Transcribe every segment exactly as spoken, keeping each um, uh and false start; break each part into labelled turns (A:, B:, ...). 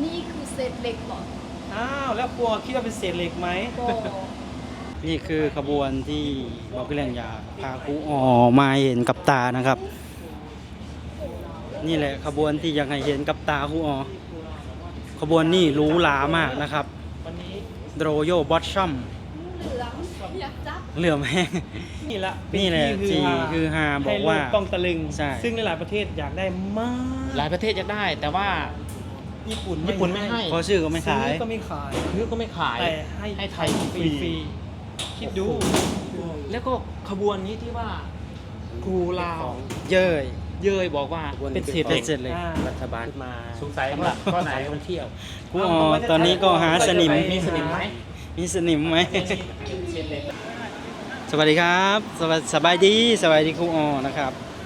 A: นี่คือเศษเหล็กเหรอ
B: อ้าวแล้วครูคิดว่าเป็นเศษเหล็กไหม
A: โบ
C: นี่คือขบวนที่บอกพี่เลี้ยงอยากพาครูอ๋อมาเห็นกับตานะครับ นี่แหละขบวนที่อยากให้เห็นกับตาครูอ๋อขบวนนี่หรูหรามากนะครับ
B: วันนี้
C: โรโยบอทชัม
A: เหลืองอยากจับ
C: เหลื่อมแห้ง
B: นี่ละเป็
C: นี่แหละ
B: ที่
C: ที่คือฮาบอกว่า
B: ให้โลต้องตะลึง
C: ใช่
B: ซึ่งในหลายประเทศอยากได้มาก
D: หลายประเทศจะได้แต่ว่า
B: ญี่ปุ่น
D: ญี่ปุ่นไม่ให้
C: เพราะชื่อก็ไม่ขาย
B: ซื้อก็ไม่ขาย
D: ซื้อก็ไม่ขาย
B: แต่ให้
D: ให้ไท
B: ไท
D: ย
B: ย
D: ฟ
B: ฟ
D: รี
B: รีๆคิดดู
D: แล้วก็ขบวนนี้ที่ว่าครูลาว
C: เย้ย
D: เย้ยบอกว่า
C: เป็นเศษเหล็ก เป็นเศษเหล็ก
B: อ่า
D: รัฐบาล
B: มา
D: สงสัยสำหรับข้อไหนท่องเที่ยว
C: ครูอ๋อตอนนี้ก็หาสนิม
D: มีสนิมไหม
C: มีสนิมไหม สวัสดีครับสบายสบายดีสบายดีครูอ๋อนะครับ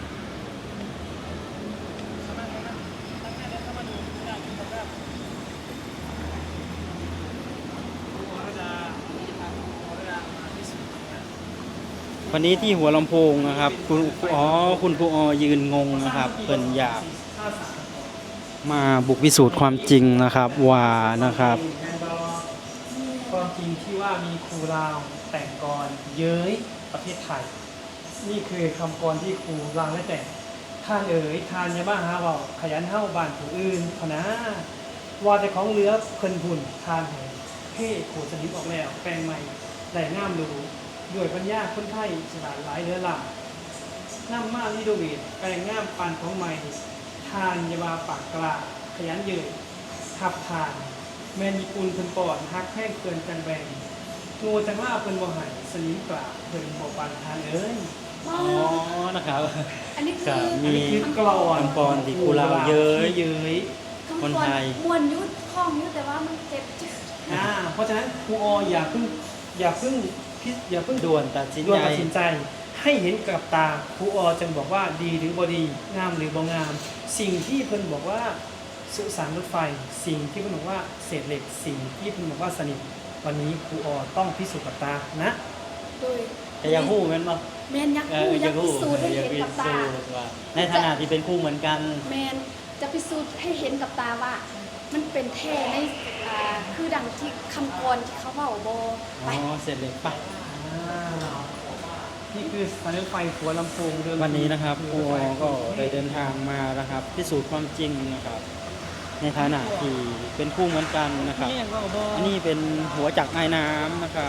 C: วันนี้ที่หัวลำโพงนะครับคุณอ๋อคุณครูอ๋อยืนงงนะครับเพิ่นอยากมาบุกพิสูจน์ความจริงนะครับว่านะครับ
B: ความจริงที่ว่ามีครูลาวแต่งกรเย้ยประเทศไทย นี่คือคำกรที่ครูลาวได้แต่งท่านเอ๋ยทานยาบ้าหาเบาขยันเฮ้าบ้านผู้อื่นพะนะว่าแต่ของเหลือเพิ่นบุญทานแห่งเพ่โขสนิมออกแล้วแปลงใหม่ได้งามหรูด้วยปัญญาคนไทยฉลาดหลายเหลือหลายน้ำมาลิโดเวตแปลงงามปานของใหม่ทานยาบาปากกลาขยันเยืนทับทาน แมนญี่ปุ่นเพิ่นปอดฮักแห้งเกินจังแบงงูจังว่าเพิ่นบ่ใหายสนิมกลาเพิ่นบ่ปานทานเอ้ย
C: อ๋อนะครับ
A: อันนี้
C: ครั
A: คื
C: บ
A: อ
C: มี
B: คือกลอน
C: คำกลที่ครูลาวเย้ย
B: ที่เย้ย
C: คนไทย
A: มวนยุดคล้องยุดแต่ว่ามันเจ็บจึ๊ก
B: อ่าเพราะฉะนั้นครูออย่าเพิ่งอย่าเพิ่งพิจอย่าเพิ่ง
C: ด่วนตัดสิน
B: ด่วน
C: ใจ
B: ตัดสินใจ ให้เห็นกับตาครูออจึงบอกว่าดีหรือบ่ดีงามหรือบ่งาม สิ่งที่เพิ่นบอกว่าสุสานรถไฟ สิ่งที่เพิ่นบอกว่าเศษเหล็กสิ่งที่เพิ่นบอกว่าสนิมวันนี้ครูออต้องพิสูจน์กับตานะ
A: โดย
C: แต่อยังหู้แม่นบ่
A: แมนยักษ์
C: เอ
A: คู่
C: ออ
A: ยั
C: ยาก ก
A: ษ์พิ
C: หู้
A: สูจน์ให้
C: อยาก
A: เห็น
C: พิ
A: กับ
C: สู
A: ตา
C: จน์ว่าในฐานะที่เป็นคู่เหมือนกัน
A: แมนจะพิสูจน์ให้เห็นกับตาว่า มันเป็นแท้ในอ่าคือดังที่คำกรที่เขาเว้าบ่
C: อ๋
A: ไป
C: อเสร็จเลยปะ
B: อ่านี่คือสถานีรถไฟหัวลำโพงเดิม
C: วันนี้นะครับครูอ๋อก็ได้เดินทางมานะครับ พิสูจน์ความจริงนะครับ ในฐานะที่เป็นคู่เหมือนกันนะครับ
B: นี่ก็บ่
C: อันนี้เป็นหัวจักรไอ้น้ำนะครับ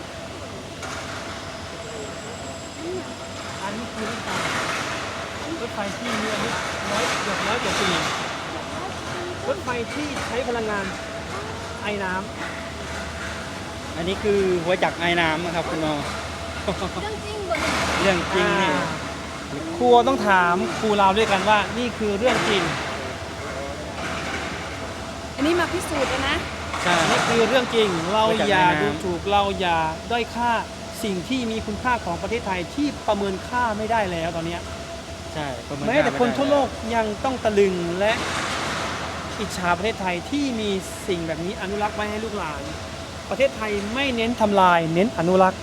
B: อันนี้คือรถไฟรถไฟที่มีอายุร้อยเกือบร้อยกว่าปีรถไฟที่ใช้พลังงานไอ้น้
C: อันนี้คือหัวจักรไอ้น้ำนะครับคุณอ๋อ
A: เรื่องจริงบ่เนี่ย
C: เรื่อง
B: ำ
C: จริงนี่
B: อ่าครูต้องถามครูเราด้วยกันว่านี่คือเรื่องจริง
A: อันนี้มาพิสูจน์แล้วนะ
C: ใช่
B: นี่คือเรื่องจริง เรา
C: มาจาก
B: อย่า
C: แม่น้ำ
B: ดูถูกเราอย่าด้อยค่าสิ่งที่มีคุณค่าของประเทศไทยที่ประเมินค่าไม่ได้แล้วตอนเนี้ย
C: ใช่ประเมิน
B: แม้แต่
C: ค่า
B: คน
C: ไได้
B: ทั่วโลกยังต้องตะลึงและอิจฉาประเทศไทยที่มีสิ่งแบบนี้อนุรักษ์ไว้ให้ลูกหลาน ประเทศไทยไม่เน้นทำลายเน้นอนุรักษ์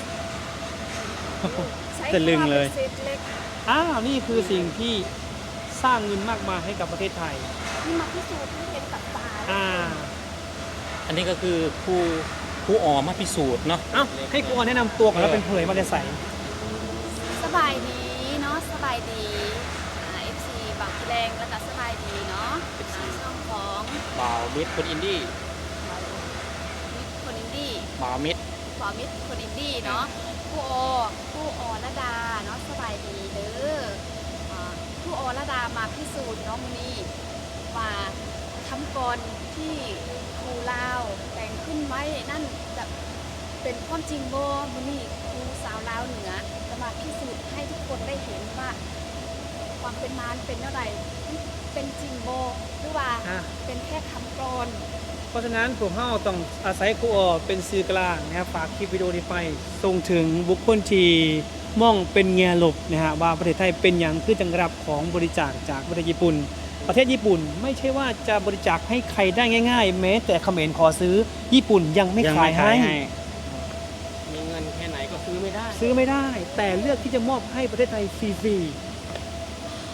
A: ใช้
C: ตะลึงเลย
A: คำว่าป็นเศษเหล็ก
B: อ้าวนี่คือสิ่งที่สร้างเงินมากมายให้กับประเทศไทย
A: นี่มาพิสูจน์ให้เห็นกับตา
B: อ่า
D: อันนี้ก็คือครูครูอ๋อมาพิสูจน์เนาะ
B: เอ้าให้กูแนะนำตัวก่อนแล้วเป็นเผยมาจะใส่
A: สบายดีเนาะสบายดีอ่า เอฟ ซี บางแรงแล้วก็สบายดีเนาะอ่าช่องของ
D: บ่าวมิดคนอินดี้
A: มิตรคนอินดี้
D: บ่าวมิด
A: ขอมิตรคนอินดี้เนาะผู้โอผู้โอระดาเนาะสบายดีเด้ออ่าผู้โอระดามาพิสูจน์เนาะมื้อนี้ว่าคำกรที่ครูลาวแต่งขึ้นไว้นั่นจะเป็นความจริงบ่มื้อนี้ครูสาวลาวเหนือจะมาพิสูจน์ให้ทุกคนได้เห็นว่า ความเป็นมารเป็นเท่าไหร่เป็นจริงบ่หรือว่า
B: อ่ะ
A: เป็นแค่คำกรอน
B: เพราะฉะนั้นพวกเราต้องอาศัยครูออเป็นสื่อกลางนะครับฝากคลิปวิดีโอนี้ไปส่งถึงบุคคลที่มองเป็นแง่ลบนะฮะว่าประเทศไทยเป็นอย่างคือจังรับของบริจาคจากประเทศญี่ปุ่น ประเทศญี่ปุ่นไม่ใช่ว่าจะบริจาคให้ใครได้ง่าย ๆ แม้แต่เขมรขอซื้อญี่ปุ่นยังไม่
C: ยัง
B: ขายให้
D: มีเงินแค่ไหนก็ซื้อไม่ได้
B: ซื้อไม่ได้ แต่เลือกที่จะมอบให้ประเทศไทยฟรี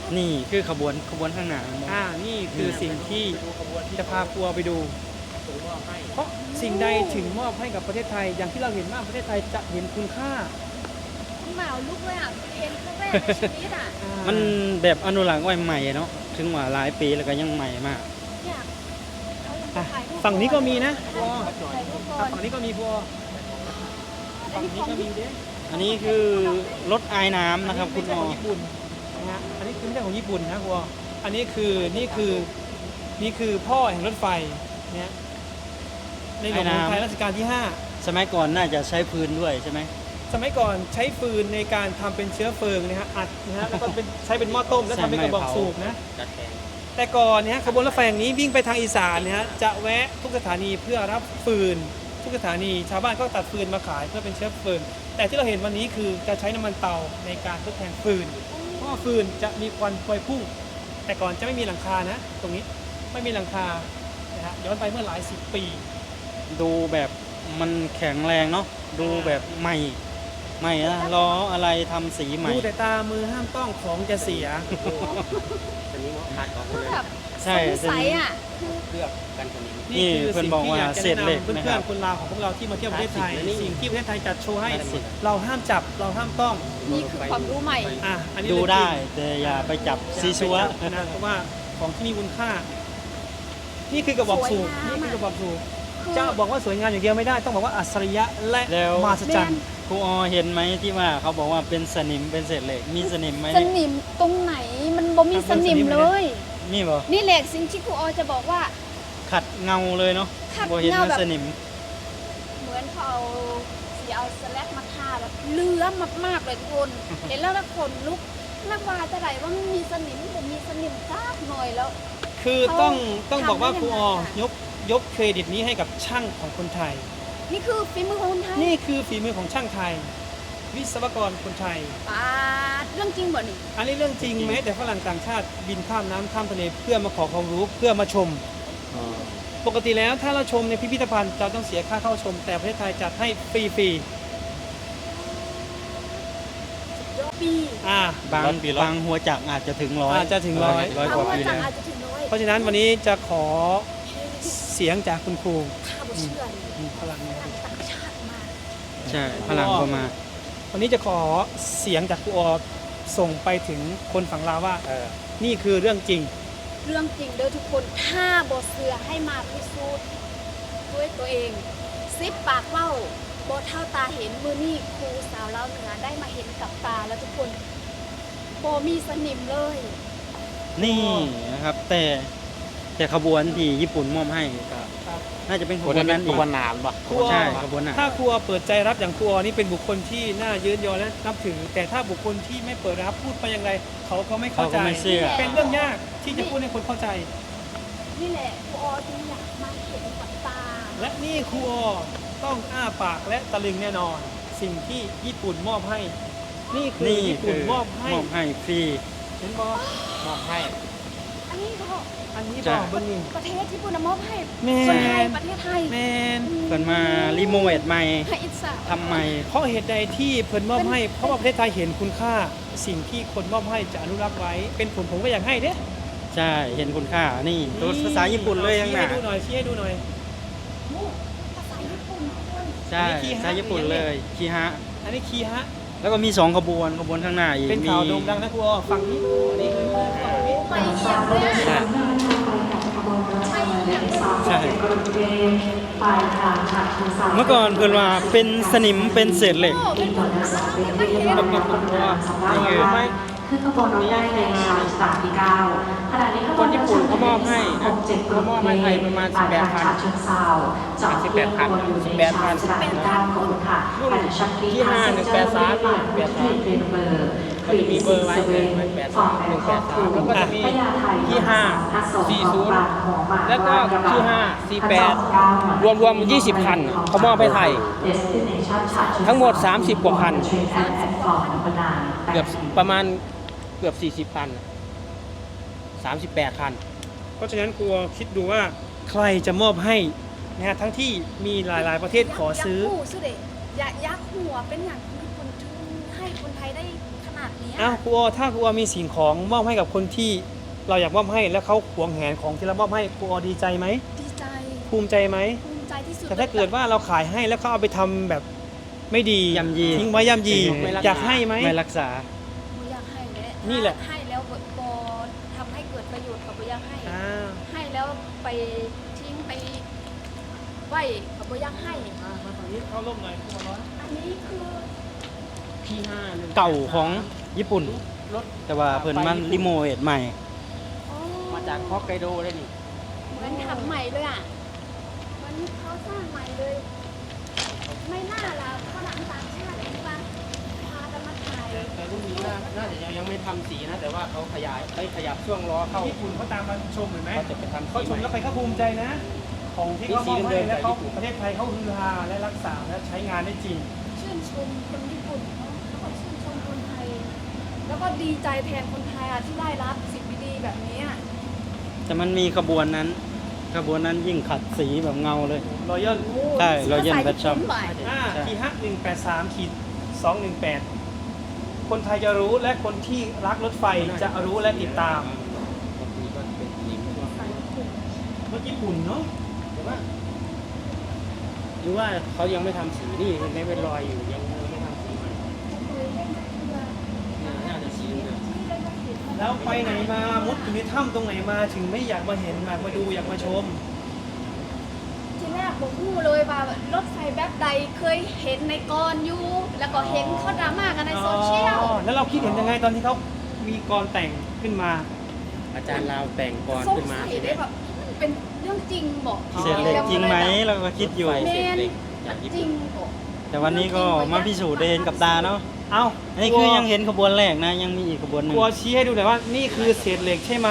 C: นี่คือขบวนขบวนข้างหน้า
B: อ่านี่คือสิ่งที่จะพาครัวไปดู เพราะสิ่งใดถึงมอบให้กับประเทศไทย อย่างที่เราเห็นว่าประเทศไทยจะเห็นคุณค่า
A: หนาวลุกเลยอ่ะเห็นครั้งแรกในชีวิตอ่ะ
B: อ่า
C: มันแบบอนุรักษ์ไว้ใหม่เนาะถึงว่าหลายปีแล้วก็ยังใหม่มาก
A: เนี่ยเขายัง
B: อ่ะ
A: จะถ่ายรูป
B: ฝั่งนี้ก็มีนะครัว
A: ถ่ายรูปก่อ
B: อ่ะ
A: น
B: ฝั่งนี้ก็มีครัวฝั่งนี้ก็มีเด้
C: อันนี้คือรถไอายน้ำนะครับคุณ
B: ไม่
C: หม
B: ใช่
C: อ
B: ของญี่ปุ่นนะฮะอันนี้คือไม่ใช่ของญี่ปุ่นนะครัวอันนี้คือนี่คือนี่คือพ่อแห่งรถไฟเนี่ยในหลวงของไทยรัชกาลที่ห้า
C: สมัยก่อนน่าจะใช้พื้นด้วยใช่ไหม
B: สมัยก่อนใช้ฟืนในการทำเป็นเชื้อเพลิงนะฮะอัดนะฮะแล้วก็เป็นใช้เป็นหม้อต้มแล้วทำเป็นกระบอกสูบนะแต่ก่อนเนี่ยฮะขบวนรถไฟอย่างนี้วิ่งไปทางอีสานเนี่ยฮะจะแวะทุกสถานีเพื่อรับฟืนทุกสถานีชาวบ้านก็ตัดฟืนมาขายเพื่อเป็นเชื้อเพลิงแต่ที่เราเห็นวันนี้คือจะใช้น้ำมันเตาในการทดแทนฟืนเพราะว่าฟืนจะมีควันพวยพุ่ง แต่ก่อนจะไม่มีหลังคานะ ตรงนี้ไม่มีหลังคานะฮะย้อนไปเมื่อหลายสิบปี
C: ดูแบบมันแข็งแรงเนาะดูแบบใหม่ใหม่นะล้ออะไรทำสีใหม่
B: ดูแต่ตามือห้ามต้องของจะเสีย
A: คือแบบ
C: ใช่
A: สงสัยอ่ะคือ
C: นี่
B: นี่คือ
C: เพื่อน
B: สิ่ง
C: บอก
B: ที่
C: ว่า
B: อยากจะ
C: เศษ
B: แนะ
C: เหล็ก
B: นำเพื่
C: นะ
B: อ
C: คน รับ
B: ๆคนลาวของพวกเราที่มาเที่ยวประเทศไทย สิ่งที่ประเทศไทยจัดโชว์ให้
C: คลาสสิก
B: เราห้ามจับเราห้ามต้อง
A: นี่คือความรู้ใหม่
B: อ่ะอันนี้
C: ดู
B: เรื่องจริง
C: ได้แต่อย่าไปจับซีซัว
B: นะเพราะว่าของที่มีคุณค่า นี่คือกระบอกสูบ
A: สวยงาม
B: นี่คือกระบอกสูบ
A: คือ
B: จะบอกว่าสวยงามอย่างเดียวไม่ได้ต้องบอกว่าอัศริยะและ
C: แล้ว
B: มหัศจรรย์
C: ครูออเห็นไหมที่ว่าเขาบอกว่าเป็นสนิมเป็นเศษเหล็กมีสนิมไหม
A: สนิมตรงไหนมันบ่มีสนิมเลย
C: นี่บ่
A: นี่แหละสิ่งที่ครูออจะบอกว่า
C: ขัดเงาเลยเนาะ
A: ขัด
C: บ่เห็น
A: เงา
C: ว่า
A: แบบ
C: สนิม
A: เหมือนเขาเอาสีเอาสแลกมาทาแบบเลื้อมมากๆเลยทุกคนเห็นแล้วแล้วขนลุกนักว่าจะไหนว่ามันมีสนิมผมมีสนิมซักหน่อยแล้ว
B: คือต้อง
A: เขา
B: ต้องบอกว่า
A: ทำได้
B: ครูออ
A: ยังไงอะ
B: ยกยกเครดิตนี้ให้กับช่างของคนไทย
A: นี่คือฝีมือของคนไทย
B: นี่คือฝีมือของช่างไทย วิศวกรคนไทย
A: ปาดเรื่องจริงบ่นี่
B: อันนี้เรื่องจริงแม้แต่ฝรั่งต่างชาติบินข้ามน้ำข้ามทะเลเพื่อมาขอความรู้เพื่อมาชม ปกติแล้วถ้าเราชมในพิพิธภัณฑ์เราต้องเสียค่าเข้าชม แต่ประเทศไทยจัดให้ฟรี
A: ปี
B: ๆอ่า
C: บางบางหัวจักรอาจจะถึงร้อย
B: อาจจะถึงร้อย
C: ร้อยก
A: เอา
C: ว่า
A: ว่า
C: ปี
A: จั
C: แล้
A: ง
C: ว
A: อาจจะถึงร้อย
B: เพราะฉะนั้นวันนี้จะขอเสียงจากคุณครู
A: ข้าบ่เชื่อเลย
B: อืมพลังงาน
A: ต่างชาติมา
C: ใช่พลังก็มา
B: วันนี้จะขอเสียงจากครูออส่งไปถึงคนฝั่งลาวว่านี่คือเรื่องจริง
A: เรื่องจริงเด้อทุกคนถ้าบ่เชื่อให้มาพิสูจน์ด้วยตัวเองซิปปากเว้าบ่เท่าตาเห็นมือนี่ครูสาวเล่าวเหนือได้มาเห็นกับตาแล้วทุกคนบ่มีสนิมเลย
C: นี่นะครับ แต่แต่ขบวนที่ญี่ปุ่นมอบให้ก็น่าจะเป็นขบวนนั้นอีก
D: ขบวนนานปะ
B: ครูออ
C: ใช่ขบวนน่ะ
B: ถ้าครูออเปิดใจรับอย่างครูออนี่เป็นบุคคลที่น่ายืนยอและนับถือ แต่ถ้าบุคคลที่ไม่เปิดรับพูดไปอย่างไรเขาก็ไม่เข้า
C: เขา
B: ใจ
C: ก็ไม่เชื่อ
B: เป็นเรื่องยากที่จะพูดให้คนเข้าใจ
A: นี่แหละครูออจึงอยากมาเห็นกับตา
B: และนี่ครูออต้องอ้าปากและตะลึงแน่นอน สิ่งที่ญี่ปุ่นมอบให้ นี่คือ
C: นี่
B: ญี่
C: คื
B: ปุ่น
C: อ
B: มอบให้
C: มอบให้ฟรี
B: เห็นบอ
D: มอบให้
A: อันนี้ก็
B: อันนี้
C: ใช่
B: บอกเบิ้งนี่
A: ประเทศญี่ปุ่นน่ะมอบให้
B: แม
A: คนไทย
B: น
A: ประเทศไทย
B: แมน
C: เพิ่นมารีโมเวทใหม่
A: ให้อิสระ
C: ทำใหม่
B: เพราะเหตุใดที่เพิ่นมอบให้ เพราะว่าประเทศไทยเห็นคุณค่า สิ่งที่คนมอบให้จะอนุรักษ์ไว้ เป็นผมผมก็อยากให้เด้
C: ใช่เห็นคุณค่านี่ตัวภาษาญี่ปุ่นเลยข้าง
B: ชี้
C: หน้า
B: ให้ดูหน่อยชี้ให้ดูหน่อย
A: ภาษาญี่ปุ่นทุกคน
C: ใช่
B: อันนี้คีฮะ
C: ภาษาญี่ปุ่นเลยคีฮะ
B: อันนี้คีฮะ
C: แล้วก็มีสองขบวนขบวนข้างหน้าอีก
B: เป็น
C: มี
B: ข่าวโด่งดังนะครูออฝั่งนี้อันนี้คือฝั่งนี้
A: ไปเยี่ยมเลยอะ
C: ใช่
A: ไปเยี่ยมเลย
C: ใช่เมื่อก่อนเพิ่นว่าเป็นสนิมเป็นเศษเหล็ก
A: โอ้เป็นคนไทยไม่เห็น
B: กับกับครูออนี่คือไม่
E: ขึ้นขบวนรถได้ในงานฉบับที่เก้าขณะนี้ขบวน
B: คนญี่ปุ่นเขามอบให้นะ
E: เจ็ด
B: เขามอบให้ไทยประมาณสิบแปดพัน
E: เชิงเซาจอดที่ขบวนอยู่ในชานสถานีเก้าขบวนค่ะผ่านชักลี
B: ที่ห้าหนึ่งแปดสามหนึ่งแปดสาม
E: เป็นเบอร์
B: เขาจะมีเบอร์ไว้หนึ่งแปดสามหนึ่งแปดสามแล้วก็จะมีที่ห้าสี่ศูนย์แล้วก็ที่ห้าสี่แปด
E: รวมรวมยี่สิบคันเขามอบให้ไทย ทั้งหมดสามสิบกว่าคัน
D: เกือบประมาณเกือบสี่สิบคันสามสิบแปดคัน
B: เพราะฉะนั้นครูออคิดดูว่าใครจะมอบให้นะฮะทั้งที่มีหลาย ๆ ประเทศขอซื้อ
A: ยากหูสุดเลยอยากยักหัวเป็นอย่างญี่ปุ่นถึงให้คนไทยได้ขนนาดเนี้ย
B: อ้าวครูออถ้าครูออมีสิ่งของมอบให้กับคนที่เราอยากมอบให้แล้วเขาหวงแหนของที่เรามอบให้ครูออดีใจไหม
A: ดีใจ
B: ภูมิใจไหม
A: ภูมิใจที่สุด
B: แต่ถ้าเกิดว่าเราขายให้แล้วเขาเอาไปทำแบบไม่ดี
C: ย่ำยี
B: ทิ้งไว้ย่ำยี
C: ไม่รักษา
B: อยากให้ไหม
C: ไม่รักษา
A: บ่อยากให้เลย
B: นี่แหละ
A: ให้แล้วบ่บ่ทำให้เกิดประโยชน์กับบ่อยากให้
B: อ่า
A: ให้แล้วไปทิ้งไปไว้กับบ่อยากให้
B: มาฝั่งนี้เข้าร่มหน่อยครูออ
A: อันนี้คือ
D: พีห้าหนึ่ง
C: เก่าของญี่ปุ่น
D: รถ
C: แต่ว่าเพิ่นมันรีโมเอทใหม่
A: อ๋อ
D: มาจากฮอกไกโดเลยนี่
A: เหมือนทำใหม่เลยอ่ะเหมันเขาสร้างใหม่เลย ไม่น่าละฝรั่งต่างชาติที่ว่าพากันมาถ่าย
D: แต่แต่รุ่นนี้น่าน่าจะยังยังไม่ทำสีนะ แต่ว่าเขาขยายไปขยับช่วงล้อเข้า
B: ญี่ปุ่นเขาตามมาชมเห็นไหม
D: เขาจะไปทำ
B: เขา
D: สี
B: ช
D: ให
B: ม
D: ม่
B: แล้วใครเขาภูมิใจนะ ของที่เขามอบ
D: นี่สีเดิ
B: ให้
D: มๆ
B: แล้วเขา
D: จากญี่ปุ่น
B: ประเทศไทยเขาฮือฮาและรักษาและใช้งานได้จริง
A: ชื่นชมคนญี่ปุ่นเนาะแล้วก็ชื่นชมคนไทย แล้วก็ดีใจแทนคนไทยอ่ะที่ได้รับสิ่งดีๆแบบนี้อ่ะ
C: แต่มันมีขบวนนั้น ขบวนนั้นยิ่งขัดสีแบบเงาเลย
B: รอยัล
A: โอ้
C: ใช่
A: ภ
C: Royal
A: ษญี่
C: Pet Shop
A: ปุ่นบ่าย
B: อ่า
C: ใช่
B: ทีฮักหนึ่งแปดสามขีดสองหนึ่งแปดคนไทยจะรู้และคนที่รักรถไฟจะรู้และติดตาม
D: บางทีก็เป็นสีม่วง
B: รถญี่ปุ่นเนาะ
D: แต่ว่าหรือว่าเขายังไม่ทำสีนี่มันไม่เป็นรอยอยู่ยังยังไม่ทำสีใหม่น่าจะสีเดิม
B: แล้วไปไหนมามุดอยู่ในถ้ำตรงไหนมาถึงไม่อยากมาเห็นอยากมาดูอยากมาชม
A: ทีแรกผมพูดเลยว่ารถไฟแบบใดเคยเห็นในกรอยู่ แล้วก็เห็นเขาดราม่ากันในโซเชียล
B: อ๋อแล้วเราคิดเห็นยังไงตอนที่เขามีกรแต่งขึ้นมา
D: อาจารย์ลาวแต่งกร
A: สง
D: ขึ้นมา
A: สัย
D: ใช่ไหม
A: ได้แบบมันเป็นเรื่องจริงบอก
C: เศษเหล็กจริงไหมเราก็คิดอยู่
D: ไฟ
A: แม
D: เศษ
A: น
D: เหล็กจากญี่
A: จริ
D: ปุ่
A: ง
D: น
A: บอก
C: แต่วันนี้ก็มาพิสูจน์ได้เห็นกับตาเนาะ
B: เอ้า
C: อันนี้คือยังเห็นขบวนแรกนะ ยังมีอีกขบวนหนึ่
B: ก
C: ง
B: ลัวชี้ให้ดูหน่อยว่านี่คือเศษเหล็กใช่ไหม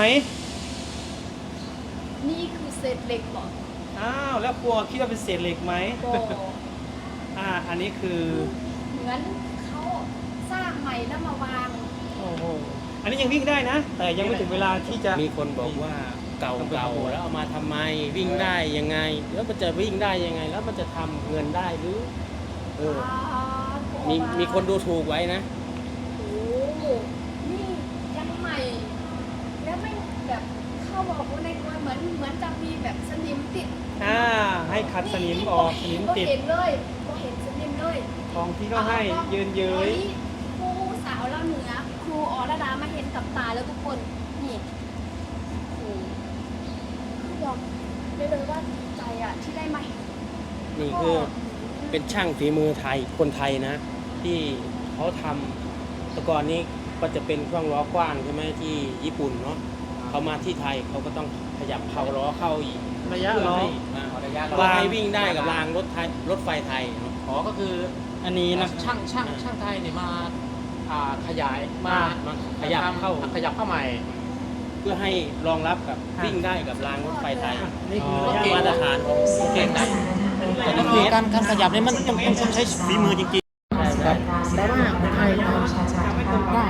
A: นี่คือเศษเหล็กบอก
B: อ้าวแล้วกลัวคิดว่าเป็นเศษเหล็กไหม
A: บอก
B: อ่าอันนี้คือ
A: เหมือนเขาสร้างใหม่แล้วมาวาง
B: โอ้โหอันนี้ยังวิ่งได้นะ แต่ยังไม่ถึงเวลาที่จะ
D: มีคนบอกว่าเก่าเก่าแล้วเอามาทำไมวิ่งได้ยังไง แล้วมันจะวิ่งได้ยังไง แล้วมันจะทำเงินได้หรือเออ
A: อ่า
D: มีมีคนดูถูกไว้นะ
A: โอ้โหนี่ยังใหม่ แล้วไม่แบบเข้าบอกว่าในกรเหมือนเหมือนจะมีแบบสนิมติด
B: อ่าให้ขัดสนิมออกสนิมติด
A: ก็เห็นเลยก็เห็นสนิมเลย
B: ของที่เขาให้เยินเย้ย
A: ครูสาวเราเหนือครูอรดามาเห็นกับตาแล้วทุกคนนี่ครูคือยอมได้เลยว่าดีใจอ่ะที่ได้มาเห็น
D: นี่คือเป็นช่างฝีมือไทยคนไทยนะ ที่เขาทำแต่ก่อนนี้ก็จะเป็นช่วงล้อกว้างใช่ไหมที่ญี่ปุ่นเนาะเขามาที่ไทยเขาก็ต้องขยับเข้าล้อเข้าอีก
B: ระยะล้อ
D: อ่าระยะล้อให้วิ่งได้กับรางรถไทยรถไฟไทยเนอะ
E: อ๋อก็คือ
C: อันนี้นะ
E: ช่างช่างช่างไทยเนี่ยมาอ่าขยายมา
D: มาขยับเข้า
E: ทำขยับเข้าใหม่
D: เพื่อให้รองรับกับวิ่งได้กับรางรถไฟไทย
B: นี่คือ
C: อ๋อ
B: ระยะ
D: มาตรฐานของ
E: เก่งนะ
B: แต่
E: ก็คือการการขยับเนี่ยมันต้องต้องต้องใช้ฝีมือจริงๆครับแต่ว่าคนไทยทำได้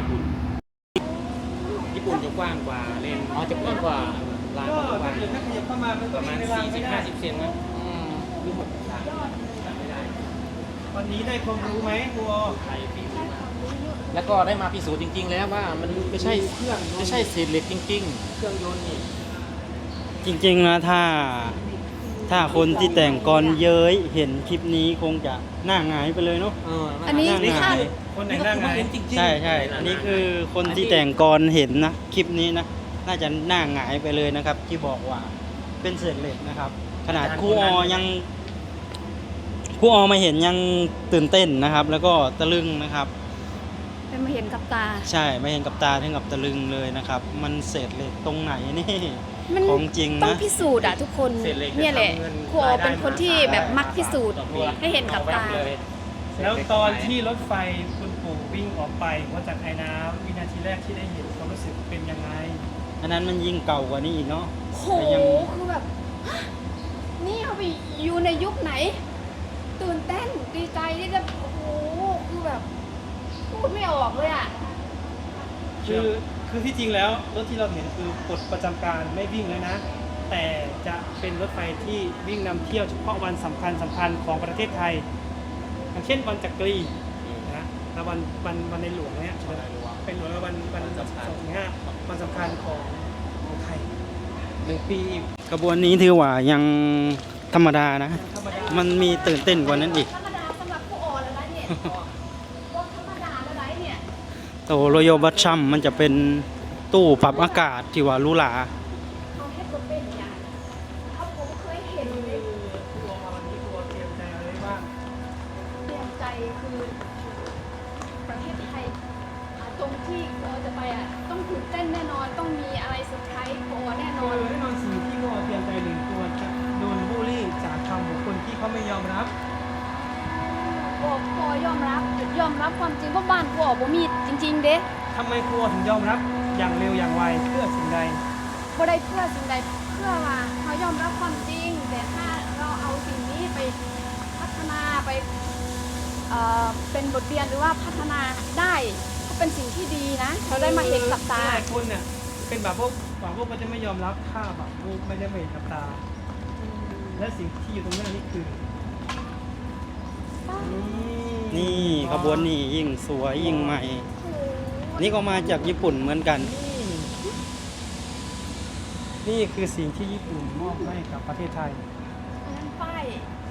D: ญี่ปุ่นจะกว้างกว่าเลน
E: อ๋อจะกว้างกว่า
D: ราง
B: ก็
D: ก็กว้าง
B: ถ้าเกิดถ้าขยับเข้ามามัน
D: ป
B: ก็
D: ระมา
B: วิ่
D: ณ
B: งในราง
D: สี่
B: ไม่
D: สิบ
B: ได้
D: ห้าสิบเซนนะ
E: อืม
D: หรือหกสิบสามจำไม่ได้
B: วันนี้ได้ความรู้ไหมครูออ
D: ไทยฝีมือมาก
E: แล้วก็ได้มาพิสูจน์จริง ๆ แล้วว่ามันไม่ใช่
D: เครื่องยนต์
E: ไม่ใช่เศษเหล็กจริง
D: เครื่องยนต์นี่
C: จริงๆนะถ้าถ้าคนที่แต่งกรเย้ยเห็นคลิปนี้คงจะหน้าหงายไปเลยเนาะ
E: ๆเออ
A: อันนี้
C: นั่ง
A: คาด
C: หงาย
B: คนไหนหน้าไง
E: จริงๆ
C: ใช่ใช่อันนี้คือคนที่แต่งกรเห็นนะคลิปนี้นะน่าจะหน้าหงายไปเลยนะครับ ที่บอกว่าเป็นเศษเหล็กนะครับ ขนาดครูออยังครูออมาเห็นยังตื่นเต้นนะครับ แล้วก็ตะลึงนะครับ
A: ได้มาเห็นกับตา
C: ใช่ไม่เห็นกับตาถึงกับตะลึงเลยนะครับ มันเศษเหล็กตรงไหนนี่
A: มัน
C: ของจริง
A: ต้อง
C: นะ
A: พิสูจน์อะทุกคน
D: เศษเหล็ก
A: เนี่ยแหละ
D: จะทำเงิน
A: ครูอเป็นคนที่แบบมักพิสูจน์
D: ต่อตัว
A: ให้เห็นกับตา
D: เลย
B: แล้วตอนที่รถไฟคุณปู่วิ่งออกไปหัวจากไอ้น้ำวินาทีแรกที่ได้เห็นความรู้สึกเป็นยังไง
C: อันนั้นมันยิ่งเก่ากว่านี้อีกเนาะ
A: โห
C: แต่ยัง
A: คือแบบฮะนี่เอาไปอยู่ในยุคไหน ตื่นเต้นดีใจที่จะโอ้โหคือแบบพูดไม่ออกเลยอ่ะ
B: คือคือที่จริงแล้วรถที่เราเห็นคือปลดประจำการไม่วิ่งแล้วนะ แต่จะเป็นรถไฟที่วิ่งนำเที่ยวเฉพาะวันสำคัญสำคัญของประเทศไทยอย่างเช่นวันจักรีนะแล้ววันวันวันในหลวงเนี่ยเป็นหลวงแล้ววันวันสองถึงห้าวันสำคัญของของไทย
D: หนึ่งปี
C: กระบวนนี้ถือว่ายังธรรมดานะ
B: ธรรมดา
C: มันมีตื่นเต้นกว่านั้นอีก
A: ธรรมดาสำหรับผู้อ่อนแล้วนะเนี่ยก็ธรรมดาแล้วไรเนี่ย
C: โตโรโยบัตชัมมันจะเป็นตู้ปรับอากาศที่ว่าหรูหรา
A: เขาเฮ็ดบ่เป็นอย่างเขาผมเคยเห็นเลย
B: ตัววันนี้ตัวเตรียมใจอะไรบ้าง
A: เตรียมใจคือประเทศไทยอ่าตรงที่เราจะไปอ่ะต้องตื่นเต้นแน่นอน ต้องมีอะไรเซอร์ไพรส์โอแน่น
B: โด
A: อน
B: ยแน่นอนสิ่งที่ตัวเตรียมใจหนึ่งตัวจะโดนบูลลี่จากคำของคนที่เขาไม่ยอมรับ
A: บอกพอยอมรับยอมรับความจริงว่าบ้านกูออกบ่มีจริง ๆ เด้
B: ทำไมครัวถึงยอมรับอย่างเร็วอย่างไวเพื่อสิ่งใด
A: บ่ได้เพื่อสิ่งใดเพื่อว่าเขายอมรับความจริง แต่ถ้าเราเอาสิ่งนี้ไปพัฒนาไปเอ่อเป็นบทเรียนหรือว่าพัฒนาได้ก็เป็นสิ่งที่ดีนะเราได้มาเห็นกับตา
B: หลายคนเนี่ยเป็นแบบพวกแบบพวกมันจะไม่ยอมรับค่าแบบพวกไม่ได้มาเห็นกับตา และสิ่งที่อยู่ตรงหน้านี่คือ
C: นี่ขบวนนี้ยิ่งสวยยิ่งใหม่ นี่ก็มาจากญี่ปุ่นเหมือนกัน
B: นี่นี่คือสิ่งที่ญี่ปุ่นมอบให้กับประเทศไทย
A: อันนั้นป้าย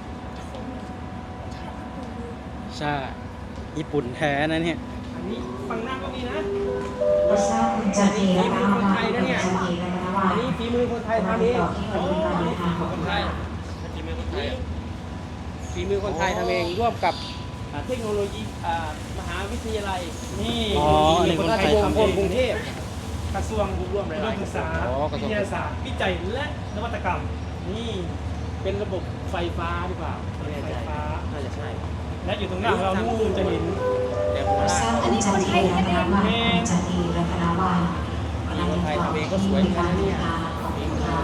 C: ใช่ ญี่ปุ่นแท้นะเนี่ย
B: อันนี้ฝั่งหน้าก็มีนะ
F: ไม่ทราบคุณจันทีนะคะว่าคุณจันทีนะคะว่า
B: อันนี้ฝีมือคนไทยทำเอง
F: ที่คนที่มาเดินทางของ
D: คนไทยฝีมือคนไทยฝีมือคนไทยทำเองร่วมกับอ่าเทคโนโลยีอ่ามหาวิทยาลัย
B: นี่
C: อ๋ออันนี้คนไทยทำเอง
D: กรุงเทพ
B: กระทรวง
D: ร่วมหลายๆ
B: อุดมศึกษา
D: อ๋อกระทร
B: วิ
D: วง
B: ทยาศาสตร์วิจัยและนวัตกรรม นี่
D: เป็นระบบไฟฟ้าหรือเปล่าไม่แน่ใจ
B: ไฟฟ้า
D: น่าจะใช่
B: และอยู่ตรงหน้าของเรานู่นจะเห็น
D: แต่ผม
F: ไม่
D: ว่า
F: ทราบคุณจันทีนะคะว่าคุณจันทีนะคะว่ากำลังจะต่อที่การเดินทางของคุณค่ะ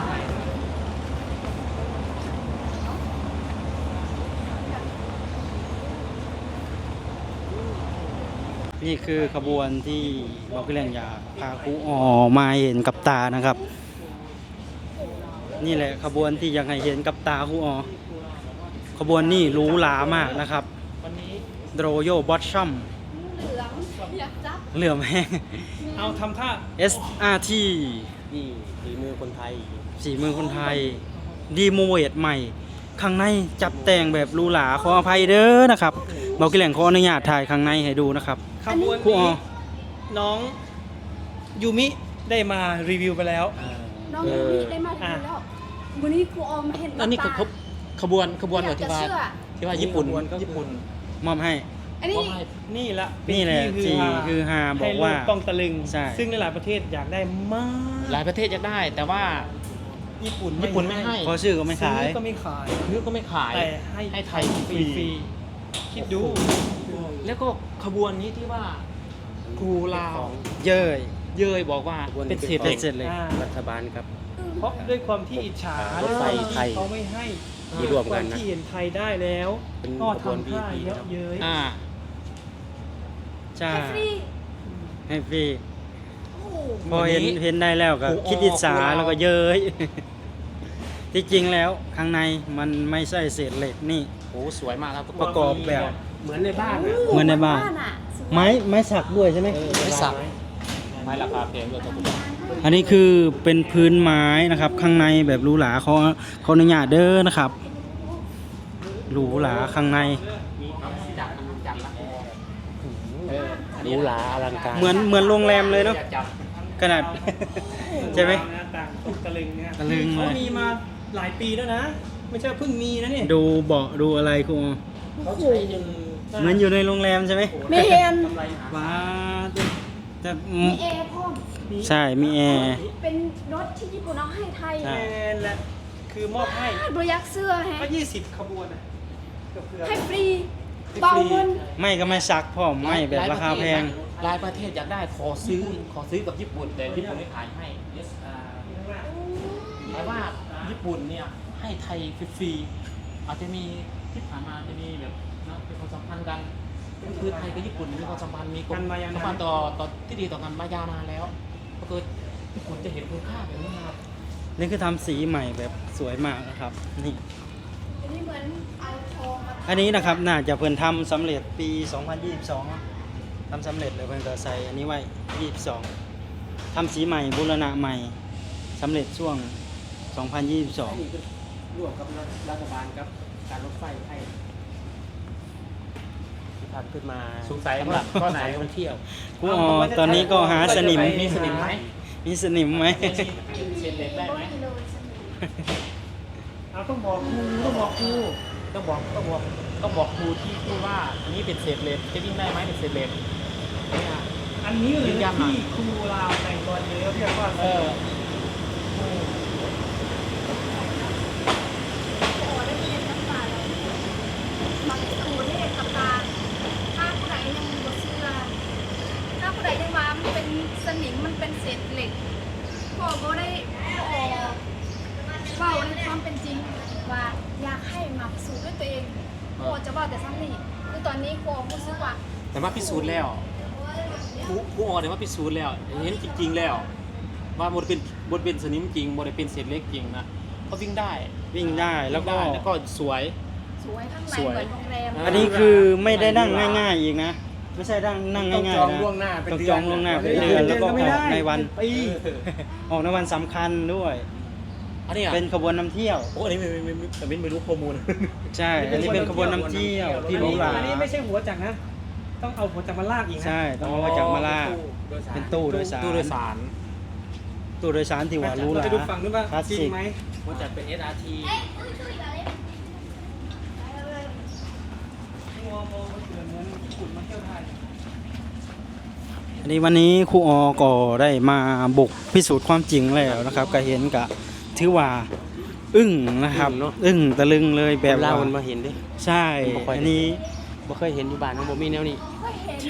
C: นี่คือขบวนที่บอกพี่แหล่งอยากพาครูออมาเห็นกับตานะครับ นี่แหละขบวนที่อยากให้เห็นกับตาครูออขบวนนี้หรูหรามากนะครับ
D: วันนี้
C: โรโยบอทชัม
A: เหลืองอยากจับ
C: เหลื่อมแห้ง
B: เอาทำท่า
C: เอส อาร์ ที
D: นี่ฝีมือคนไทย
C: สีมือคนไทย ดีโมเวตใหม่ ข้างในจับแต่งแบบหรูหราขออภัยเด้อนะครับบอกพี่แหล่งขออนุญาตถ่ายข้างในให้ดูนะครับ
B: ขบวน
C: ครูออ
B: นี้น้องยูมิได้มารีวิวไปแล้ว
A: น้องยูมิได้มาถึงแล้ววันนี้ครูออมมาเห็นกับ
E: อันนี้คือ
A: ตา
E: ขบขบวนขบวน
A: อยาก
E: ที่
A: จะ
E: ว่า
A: เชื่อ
E: ที่ว่าญี่ปุ่น
B: ขบวนก็คือ
E: ญี่ปุ่น
C: มอบให้
A: อันนี้
E: มอบให้
B: นี่ละ
C: นี่แหละ
B: เป็
C: ที่
B: ที่
C: คือฮาบ
B: ให้
C: อก
B: โล
C: ว่า
B: กต้องตะลึง
C: ใช่
B: ซึ่งในหลายประเทศอยากได้มาก
E: หลายประเทศอยากได้ แต่ว่า
B: ญี่ปุ่น
E: ญี่ปุ่นไม่ให้
C: เพราะชื่อก็ไม่ขาย
B: ซื้อก็ไม่ขาย
E: ซื้อก็ไม่ขาย
B: แต่ให้
E: ให้ไทย
B: ฟ
E: ฟรี
B: รีๆคิดดู
E: แล้วก็ขบวนนี้ที่ว่าครูลาว
C: เย้ย
E: เย้ยบอกว่า
D: ขบวนนี้
E: เป็นเศษ
C: เป็
E: เหล็
C: น
E: ก
C: เสร็จเลย
B: อ่า
D: รัฐบาลครับ
B: เพราะด้วยความที่อิจฉา
D: รถไฟ
B: ด้วยความ
D: ไทย
B: ที่เขาไม่ให้
D: ที่ร่วมกันนะ
B: ที่เห็นไทยได้แล้ว
D: เป็น
B: ก็
D: ขบวน
B: ทำท่า
D: วี
B: เยอะเย้ย
E: อ่า
C: ใช่
A: ให้ฟรี
C: ให้ฟรี
A: โอ้โห
C: พอเห็น
E: วันนี้
C: เห็นได้แล้วก็
E: ครูออ
C: คิดอิจฉา
E: ครูลาว
C: แล้วก็เย้ย ที่จริงแล้วข้างในมันไม่ใช่เศษเหล็กนี่
E: โอ้สวยมากครับทุกค
C: ประ
E: น
C: กอบแบบ
D: เหมือนในบ้านนะ
C: เหมือนในบ้าน
A: อะสวย
C: ไม้ไม้สักด้วยใช่ไหม
E: ไม่สักไม้ราคาแพงด้วยครับทุกคน
C: อันนี้คือเป็นพื้นไม้นะครับ ข้างในแบบหรูหราเขาเขาอนุญาตเด้อนะครับหรูหราข้างใน
D: หรูหราอลังการ
C: เหมือนเหมือนโรงแรมเลยเนาะขนาด ใช่ไหม
B: หน้าต่างตกตะลึงเนี่ย
C: ตะลึงเลย
B: เขามีมาหลายปีแล้วนะ ไม่ใช่เพิ่งมีนะเนี่ย
C: ดูเบาะดูอะไรครู
D: เขาใช้จน
C: เหมือนอยู่ในโรงแรมใช่ไหม
A: ไม่เห็น
C: ว้าจะ
A: มีแอร์พร้อม
C: ใช่มีแอร์
A: เป็นรถที่ญี่ปุ่นเอาให้ไทย
C: ใช่
B: แมนแหละคือมอบให้
A: บริยักษ์เสื้อแฮะ
B: ก็ยี่สิบขบวนอ่ะเกือบเกือบ
A: ให้ฟรีเบาเงิน
C: ไม่ก็ไม่ซักพ่อมไม่แบบราคาแพง
E: หลายประเทศอยากได้ขอซื้อขอซื้อกับญี่ปุ่น แต่ญี่ปุ่นไม่ขายให้ yes อ่าแต่ว่าญี่ปุ่นเนี่ยให้ไทยฟรีๆอาจจะมีที่ผ่านมาจะมีแบบนะเป็นความสัมพันธ์กันคือไทยกับญี่ปุ่นมีความสัมพันธ์มี
B: กันมายา
E: สัม
B: นา
E: พั
B: น
E: นธ์ต่อต่อที่ดีต่อกันมายาวนานแล้วก็คือญี่ปุ่นจะเห็นคุณค่าแบบนี้นะครับ
C: นี่คือทำสีใหม่แบบสวยมากนะครับนี่
A: อันนี้เหมือนเอาทองมา
C: อันนี้นะครับน่าจะเพิ่นทำสำเร็จปี สองพันยี่สิบสองทำสำเร็จแล้วเพิ่นก็ใส่อันนี้ไว้ยี่สิบสองทำสีใหม่บูรณะใหม่สำเร็จช่วงสองพันยี่สิบสอง
D: นี่คือร่วมกับรัฐบาลกับการรถไฟให้ที่ทำขึ้นมา
E: สงสัย
D: สำหรับ
E: ข้อไหน
D: สายท่องเที่ยว
C: ครูอ๋อตอนนี้ก็หาสนิม
E: มีสนิมไหม
C: มีสนิมไหม
E: เศษเหล็กได้ไหม
B: เอาต้องบอกครูต้องบอกครู
E: ต้องบอกต้องบอกต้องบอกครูที่พูดว่าอันนี้เป็นเศษเหล็กจะวิ่งได้ไหมเป็นเศษเหล็กเนี่ย
B: อันนี้หรือ
E: ยืนยันหน่อย
B: ที่ครูลาวแต่งกรเยอะเรียกว่า
E: เออ
A: โอ้ได้เรียนกับตาแล้วบางสูตรได้เรียนกับตาถ้าผู้ใดยังบ่เชื่อถ้าผู้ใดยังว่ามันเป็นสนิมมันเป็นเศษเหล็กพ่อก็ได้พ่อเฝ้าในความเป็นจริงว่าอยากให้มาพิสูจน์ด้วยตัวเองพ่อจะบอกแต่ซ้ำนี่คือตอนนี้พ่อรู้สึกว่า
E: แต่ว่าพิสูจน์แล้วครูครูออเนี่ยว่าพิสูจน์แล้วเห็นจริง ๆ แล้ว ว่าบนเป็นบนเป็นสนิมจริงบนเป็นเศษเหล็กจริงนะเขาวิ่งได้
C: วิ่งได้แล้วก็
E: วิ่งได้แล้วก็สวย
A: สวยข้างใน
E: สวย
A: เหมือนโรงแรม
E: อ่า
C: อันนี้คือไม่ได้นั่งง่ายๆอีกนะ ไม่ใช่นั่งนั่ง
D: ต้อง
C: ง่าย
D: จอง
C: ๆนะ
D: ล่วงหน้าเป็น
C: ต้อง
D: เดื
C: จ
D: อ
C: อน งล่วงหน้าเป็น
B: เดื
C: เดื
B: อ
C: อน นแล้วก็
B: ก็ไม่
C: อ
B: ได้
C: อกในวัน
B: ปี
C: ออกในวันสำคัญด้วย
E: อันนี้อ่ะ
C: เป็นขบวนนำเที่ยว
E: โอ้อันนี้ไม่ไม่ไม่แต่ไม่ไม่รู้ข้อมูล
C: ใช่ อันนี้เป็นขบวนนำเที่ยวที่หรูหรา
B: อันนี้ไม่ใช่หัวจักรนะ ต้องเอาหัวจักรมาลากอีกนะ
C: ใช่ ต้องเอามาจากมาลาเป็นตู้โดยสาร
E: ตู้โดยสาร
C: ตู้โดยสารที่ว่าหรูห
B: เรา
C: รา
B: ไปดูฝั่งนู้นว่า
C: คลาส
B: จริ
C: สิ
B: ง
C: ก
B: ไหม
D: มันจัดเป็น เอส อาร์ ที
B: มองมองเหมือนเหมือนขุดมาเที่ยวไทย
C: อันนี้วันนี้ครูออก็ได้มาบุกพิสูจน์ความจริงแล้วนะครับ ก็เห็นกะถือว่าอึ้งนะครับ
D: อึ้งเนอะ
C: อึ้งตะลึงเลยแบบ
D: เล่า
C: ว่า
D: มันมาเห็นดิ
C: ใช่
D: ผมบ่ค่อย
C: อันนี้
D: บ่เคยเห็นอยู่บ้านของบ่มีแนวนี้
A: ก็เห็น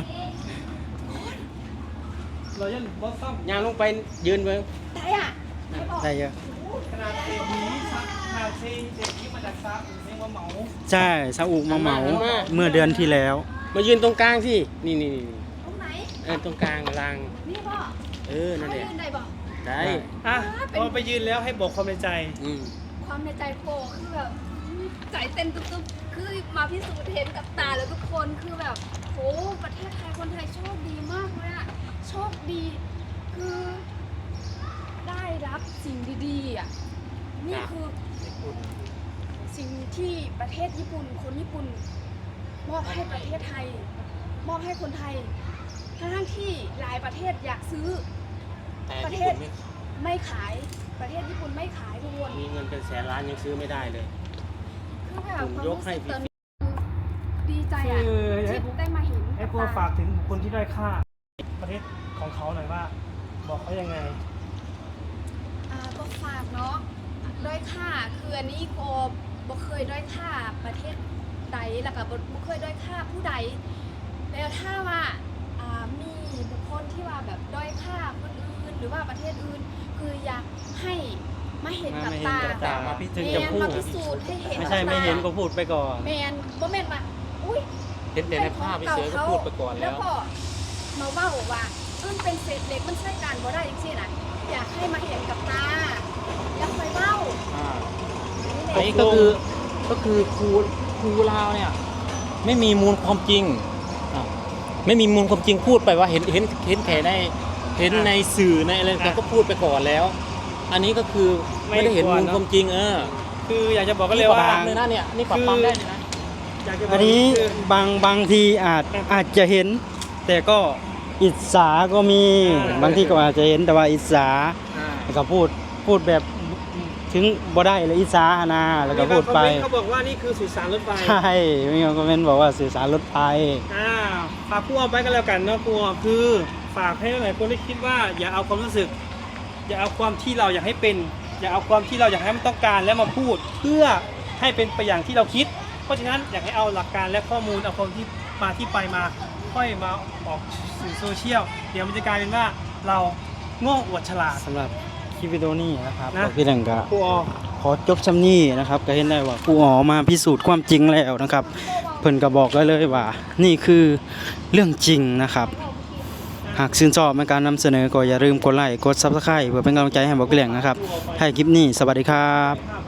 B: เรายันบอสซัม
D: ย่างลงไปยืนเบิ่ง
A: ได้อ่ะไม่บอก
C: ได้เยอะ
B: ขนาดเศษนี้ซักขนาดเศษเศษที่มาจากซักเรียกว่าเหมา
C: ใช่ซาอุมาเหมาเมื่อเดือนที่แล้ว
D: มายืนตรงกลางสินี่นี่นี่
A: ตรงไหน
D: เออตรงกลางราง
A: นี่บอก
D: เออนั่นแหละ
A: ยืนได้บอก
D: ได้
B: อ่ะพอไปยืนแล้วให้บอกความในใจ
D: อืม
A: ความในใจโปคือแบบใจเต้นตุ๊บๆคือมาพิสูจน์เห็นกับตาแล้วทุกคนคือแบบโหประเทศไทยคนไทยโชคดีมากเลยอะโชคดีคือได้รับสิ่งดีๆอ่ะนี่คือสิ่งที่ประเทศญี่ปุ่นคนญี่ปุ่นมอบให้ประเทศไทย มอบให้คนไทยทั้งๆที่หลายประเทศอยากซื้อ
E: แต่
A: ประเท
E: ญี่
A: ศ
E: ปุ่นไม่
A: ไม่ขายประเทศญี่ปุ่นไม่ขายทุกคน
D: มีเงินเป็นแสนล้านยังซื้อไม่ได้เลย
A: คือแบบ
D: ผม
A: ความ
D: ย
A: รู้
D: กให้
A: สึก
D: ฟรี
A: ตอนนี้คือดีใจอ่ะ
B: คือให้
A: ที่
B: พวก
A: ได้มาเห็น
B: ให้พวกฝากถึงบุคคลที่ด้อยค่า ประเทศของเขาหน่อยว่า บอกเขายังไง
A: อ่าก็ฝากเนาะด้อยค่าคืออันนี้โกบ่เคยด้อยค่าประเทศใดแล้วก็บ่บ่เคยด้อยค่าผู้ใดแล้วถ้าว่าอ่ามีบุคคลที่ว่าแบบด้อยค่าคนอื่นหรือว่าประเทศอื่น คืออยากให้มาเห็นกับตา
C: มาเห็นกับตามาพิสูจน์
A: แม
C: จะ
A: น
C: พูด
A: มาพิสูจน์ให้เห็น
C: ไม่
A: กับ
C: ใช่ไม่
A: ตา
C: เห็นก็พูดไปก่อน
A: แมนบ่แมนมาอุ้ย
E: เห็นแต่ในภาพเฉยๆก็พูดไปก่อน
A: แล้
E: แล้ว ว
A: ก็มาเว้าว่าเออเป็นเศษเหล็กมันใช้การบ่ได้จริงๆน่ะอยากให้มาเห็นกับตาอยากคอยเว้า
E: อ่า
A: อั
E: อั
A: น
E: น
A: นี้
E: นี้ก็คือก็คือครูครูลาวเนี่ยไม่มีมูลความจริงอ่ะไม่มีมูลความจริงพูดไปว่าเห็นเห็นเห็นแค่ในเห็นในสื่อในอะไรต่างๆก็พูดไปก่อนแล้ว อันนี้ก็คือไม่ได้เห็นมูลความจริงเออ
B: คืออยากจะบอกก็เลย
E: นี่ปรับ
B: ว่า
E: ปรามเลยนะเนี่ยนี่ปรับปรามได้เลยนะ
B: อยากจะบก
C: อันนี้
B: คือบ
C: างบางทีอาจอาจจะเห็น แต่ก็อิจฉาก็มี
B: อ่า
C: บางทีก็อาจจะเห็นแต่ว่าอิจฉา
B: อ่า
C: แล้วก็พูดพูดแบบถึงบ่ได้เลยอิจฉาหนนาแล้วก็พูดไป
B: มีบางคอมเมนต์เขาบอกว่านี่คือสุสานรถไฟ
C: ใช่มีคอมเมนต์บอกว่าสื่อสารรถไฟ
B: อ่าฝากครูเอาไปกันแล้วกันเนาะครูเอาคือฝากให้หลายคนที่คิดว่าอย่าเอาความรู้สึก อย่าเอาความที่เราอยากให้เป็น อย่าเอาความที่เราอยากให้มันต้องการแล้วมาพูด เพื่อให้เป็นไปอย่างที่เราคิด เพราะฉะนั้นอยากให้เอาหลักการและข้อมูลเอาคนที่มาที่ไปมาค่อยมาออกสื่อโซเชียลเดี๋ยวมันจะกลายเป็นว่าเราโง่อวดฉลาด
C: สำหรับคลิปวิดีโอนี้นะครับ
B: นะ
C: ก็พี่หนึ่งก็
B: ครูเอา
C: ขอจบชำนี้นะครับก็เห็นได้ว่าครูอ๋อมาพิสูจน์ความจริงแล้วนะครับเพิ่นก็บอกได้เลยว่า นี่คือเรื่องจริงนะครับ หากชื่นชอบในการนำเสนอก็อย่าลืมกดไลค์กด ซับสไครบ์ เพื่อเป็นกำลังใจให้บอกเกลี่ยงนะครับให้คลิปนี้สวัสดีครับ